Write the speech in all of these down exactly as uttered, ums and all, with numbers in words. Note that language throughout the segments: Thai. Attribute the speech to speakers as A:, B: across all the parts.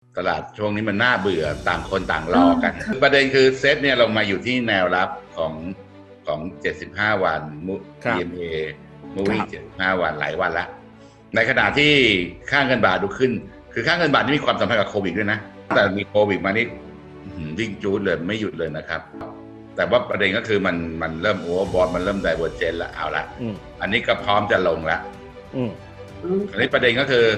A: ตลาดช่วงนี้มันน่าเบื่อต่างคนต่างรอกันประเด็นคือเซตเนี่ยลงมาอยู่ที่แนวรับของของเจ็ดสิบห้าวัน ที เอ็ม เอ Moving เจ็ดสิบห้าวันหลายวันละในขณะที่ค่าเงินบาทดูขึ้นคือค่าเงินบาทนี่มีความสัมพันธ์กับโควิดด้วยนะแต่มีโควิดมานี่วิ่งจูดเลยไม่หยุดเลยนะครับแต่ว่าประเด็นก็คือมันมันเริ่มโอเวอร์บอทมันเริ่มไดเวอร์เจนแล้วเอาละอันนี้ก็พร้อมจะลงแล้วอันนี้ประเด็นก็คือ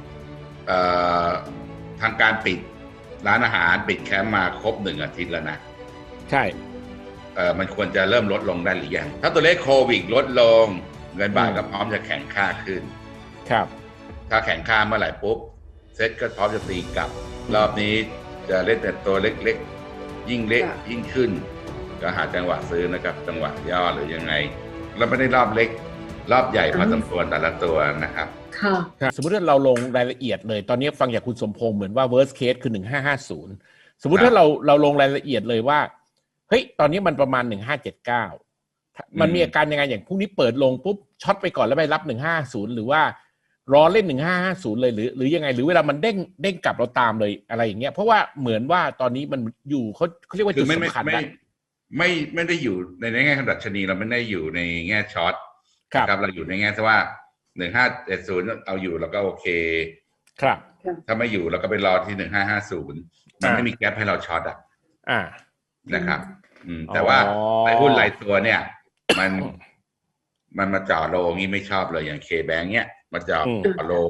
A: ทางการปิดร้านอาหารปิดแคมป์มาครบหนึ่งอาทิตย์แล้วนะ
B: ใช่
A: เออมันควรจะเริ่มลดลงได้หรือยังถ้าตัวเลขโควิดลดลงเงินบาทก็พร้อมจะแข็งค่าขึ้น
B: ครับ
A: ถ้าแข็งค่าเมื่อไหร่ปุ๊บเซ็ตก็พร้อมจะตีกลับรอบนี้จะเล่นแต่ตัวเล็กๆยิ่งเล็กยิ่งขึ้นก็หาจังหวะซื้อนะครับจังหวะย่อหรือยังไงเราไม่ได้รอบเล็กรอบใหญ่พอสมควรแต่ละตัวนะครับ
B: ค่ะสมมติว่าเราลงรายละเอียดเลยตอนนี้ฟังจากคุณสมพงษ์เหมือนว่า worst case คือหนึ่งพันห้าร้อยห้าสิบสมมุติถ้าเราเราลงรายละเอียดเลยว่าเฮ้ยตอนนี้มันประมาณหนึ่งพันห้าร้อยเจ็ดสิบเก้ามันมีอาการยังไงอย่างพรุ่งนี้เปิดลงปุ๊บช็อตไปก่อนแล้วไปรับหนึ่งพันห้าร้อยห้าสิบหรือว่ารอเล่นหนึ่งพันห้าร้อยห้าสิบเลยหรือหรือยังไงหรือเวลามันเด้งเด้งกลับเราตามเลยอะไรอย่างเงี้ยเพราะว่าเหมือนว่าตอนนี้มันอยู่เขาเขาเรียกว่าจุดสำคัญ
A: ไม่ไม่ไม่ได้อยู่ในแง่ขนาดชนีเราไม่ได้อยู่ในแง่ช็อตครับเราอยู่ในแง่ที่ว่าหนึ่งห้าเจ็ดศูนย์เอาอยู่แล้วก็โอเค
B: ครับ
A: ถ้าไม่อยู่เราก็ไปรอที่หนึ่งห้าห้าศูนย์มันไม่มีแกปให้เราช็อตอ่ะ
B: อ่า
A: นะครับอืมแต่ว่าไอ้หุ้นรายตัวเนี่ยมันมันมาจ่อโลงี้ไม่ชอบเลยอย่างเคแบงค์เนี้ยมาจ่อโล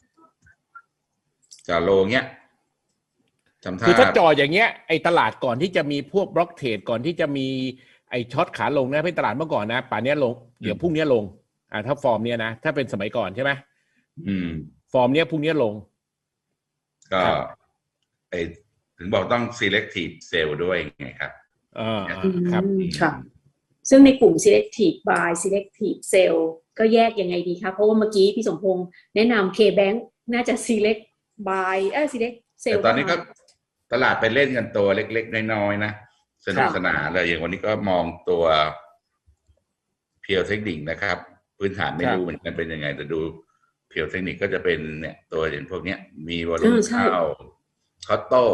A: จ่อโลเงี้ย
B: คือถ้าจ่ออย่างเงี้ยไอ้ตลาดก่อนที่จะมีพวกบล็อกเทรดก่อนที่จะมีไอ้ช็อตขาลงนะเป็นตลาดเมื่อก่อนนะป่านนี้ลงเดี๋ยวพรุ่งนี้ลงอ่าถ้าฟอร์มเนี้ยนะถ้าเป็นสมัยก่อนใช่ไหม
A: อืม
B: ฟอร์มเนี้ยพรุ่งนี้ลง
A: ก็ไอ้ถึงบอกต้อง selective sell ด้วยไงครับ
B: อ่าครับ
C: ค่ะซึ่งในกลุ่ม selective buy selective sell ก็แยกยังไงดีคะเพราะว่าเมื่อกี้พี่สมพงษ์แนะนำ K-Bank น่าจะ select buy เอ้ย select sell
A: แต่ตอนนี้ก็ตลาดไปเล่นกันตัวเล็กๆน้อยๆนะสนุกสนานเลยอย่างวันนี้ก็มองตัวเพียวเทคนิคนะครับพื้นฐานไม่รู้เหมือนกันเป็นยังไงแต่ดูเพียวเทคนิคก็จะเป็นเนี่ยตัวอย่างพวกเนี้ยมีวอลุ่มเข้าคอตโต้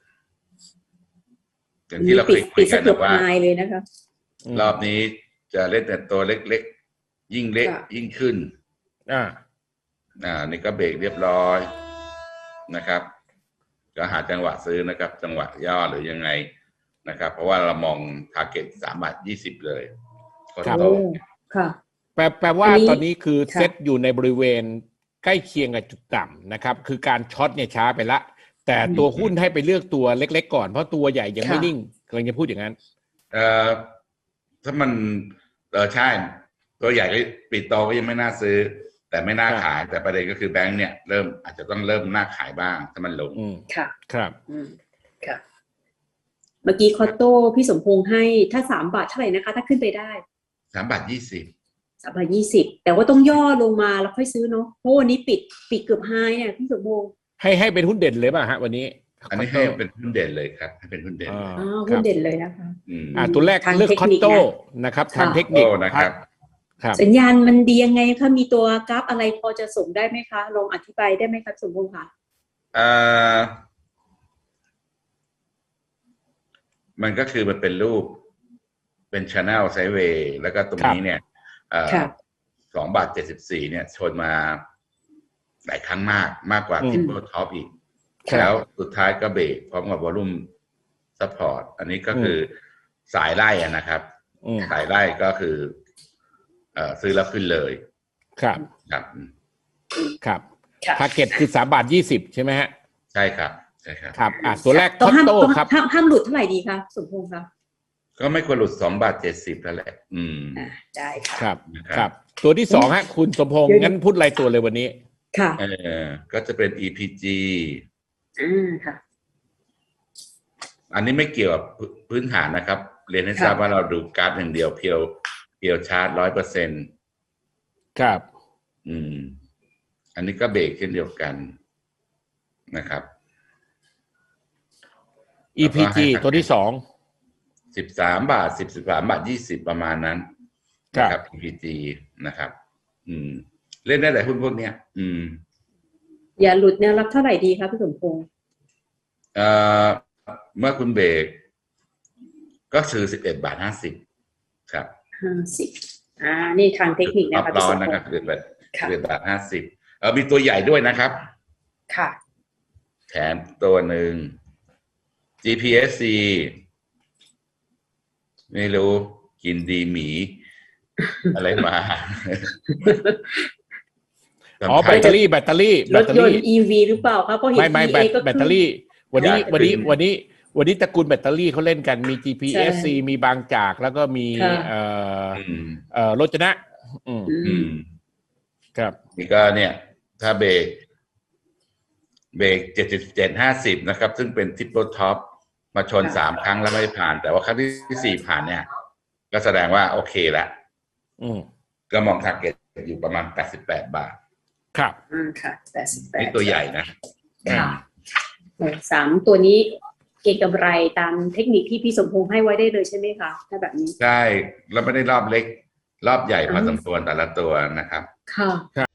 A: อย่างที่เราเคยคุยกันว่ารอบนี้จะเล่นแต่ตัวเล็กๆยิ่งเล็กยิ่งขึ้น
B: อ่า
A: อ่านี่ก็เบรกเรียบร้อยนะครับก็หาจังหวะซื้อนะครับจังหวะย่อหรือยังไงนะครับเพราะว่าเรามองทาร์เก็ตสามบาทยี่สิบเลย
B: ครับค่ะแปลแปลว่าตอนนี้คือเซ็ตอยู่ในบริเวณใกล้เคียงกับจุดต่ำนะครับคือการช็อตเนี่ยช้าไปละแต่ตัวหุ้นให้ไปเลือกตัวเล็กๆก่อนเพราะตัวใหญ่ยังไม่นิ่งกำลังจะพูดอย่างนั้น
A: เอ่อถ้ามันเออใช่ตัวใหญ่ก็ปิดโตก็ยังไม่น่าซื้อแต่ไม่น่าขายแต่ประเด็นก็คือแบงค์เนี่ยเริ่มอาจจะต้องเริ่มน่าขายบ้างถ้ามันลง
C: ค่ะ
B: ครับ
C: ค่ะเมื่อกี้คอตโต้พี่สมพงษ์ให้ถ้าสามบาทเท่าไหร่นะคะถ้าขึ้นไปได้
A: สามบาทยี่สิบ
C: สามบาทยี่สิบแต่ว่าต้องย่อลงมาแล้วค่อยซื้อเนาะเพราะวันนี้ปิดปิดเกือบไฮเนี่ยพี่สมพงษ์
B: ให้ให้เป็นหุ้นเด่นเลยป่ะฮะวันนี้
A: อันนี้ให้เป็นหุ้นเด่นเลยครับให้เป็นหุ้นเด่น
C: อ๋อหุ้นเด่นเลยนะคะ
B: อ่าตัวแรกเลือกคอตโต้นะครับทางเทคนิค
A: นะครับ
C: สัญญาณมันดียังไงคะมีตัวกราฟอะไรพอจะส่งได้ไหมคะลองอธิบายได้ไหมครับสมพงษ์ค่ะ
A: อ่ามันก็คือมันเป็นรูปเป็น channel sideways แล้วก็ตรงนี้เนี่ยสองบาทเจ็ดสิบสี่เนี่ยชนมาหลายครั้งมากมากกว่า triple top อีกแล้วสุดท้ายก็เบรกพร้อมกับ volume support อันนี้ก็คือสายไล่นะครับสายไล่ก็คือเอ่อซื้อแล้วขึ้นเลย
B: ครับ
A: ครับ
B: ครับทาร์เก็ตคือสามบาทยี่สิบใช่ไหมฮะ
A: ใช่ครับใช่ครับ
B: ครับอ่ะตัวแรกคอตโต้ครับ
C: ห้ามห้ามหลุดเท่าไหร่ดีคะสมพงษ์ครับ
A: ก็ไม่ควรหลุดสองบาทเจ็ดสิบแล้วแหละอืม
C: ได้ค่ะ
B: ครับครับตัวที่สองฮะคุณสมพงษ์งั้นพูดรายตัวเลยวันนี้
C: ค่ะ
A: เออก็จะเป็น อี พี จี
C: อืมค่ะ
A: อันนี้ไม่เกี่ยวกับพื้นฐานนะครับเรียนให้ทราบว่าเราดูกราฟอย่างเดียวเพียวเพียวชาร์ตร้อยเปอร์เซ็นต์
B: ครับ
A: อืมอันนี้ก็เบรกเช่นเดียวกันนะครับ
B: อี พี จี ตัวที่สอง
A: สิบสามบาทสิบสิบสามบาทยี่สิบประมาณนั้นนะครับ อี พี จี นะครับอืมเล่นได้หลายหุ้นพวกเนี้ยอืม
C: อย่าหลุดแนวรับเท่าไหร่ดีครับพี่สมพงษ์
A: เอ่อเมื่อคุณเบรกก็ซื้อสิบเอ็ดบาทห้าสิบครับ
C: ห้าสิบอ่านี่ทางเทคนิคนะคะ
A: ร้
C: พี่
A: อ
C: ส
A: น
C: ม
A: นะ
C: พ
A: ครับ
C: งษ์
A: สิบเอ็ดบาท
C: ค่ะ
A: สิบเอ็ดบาทห้าสิบเออมีตัวใหญ่ด้วยนะครับ
C: ค่ะ
A: แถมตัวหนึ่ง จี พี เอส ซี ไม่รู้กินดีหมี อะไรมา
B: อ๋อแบตเตอรี่แบตเตอรี่แบ
C: ร
B: ต
C: ถ
B: เตอย
C: น
B: รี่
C: ต์ อี วี หรือเปล่าคะเพราะเห็น
B: ไม่ไม่
C: อี
B: แบ
C: เอ
B: ต
C: ก็
B: แบตเตอรี่ วันนี้
A: อยาก
B: วันนี้
A: ขึ้น
B: วันนี้ วันนี้ตระกูลแบตเตอรี่เขาเล่นกันมี จี พี เอส ซี
C: ใช่
B: มีบางจากแล้วก็มี
C: ค่ะ
B: เอ่อ
A: อืม
B: เอ่อโรจนะ อืม
C: อื
A: อื
C: ม
A: ม
B: ครับ
A: นี่ก็เนี่ย ถ้าเบรกเบรกเจ็ดสิบเจ็ดห้าสิบนะครับ ซึ่งเป็นทิปเปิลท็อปมาชนสามครั้งแล้วไม่ผ่าน แต่ว่าครั้งที่สี่ผ่านเนี่ย ก็แสดงว่าโอเคแล้ว
B: อืม
A: ก็มองทาร์เก็ตอยู่ประมาณแปดสิบแปดบาท
B: ครับ
C: อ่าค่ะแปดสิบแปด
A: นี่ตัวใหญ่นะ
C: ค่ะโอ้สามตัวนี้เก็งกำไรตามเทคนิคที่พี่สมพงษ์ให้ไว้ได้เลยใช่ไหมคะถ้าแบบนี้
A: ใช่แล้วไม่ได้รอบเล็ก รอบใหญ่พอ
C: อืม
A: สมควรแต่ละตัวนะครับ
C: ค่ะ
B: ครับ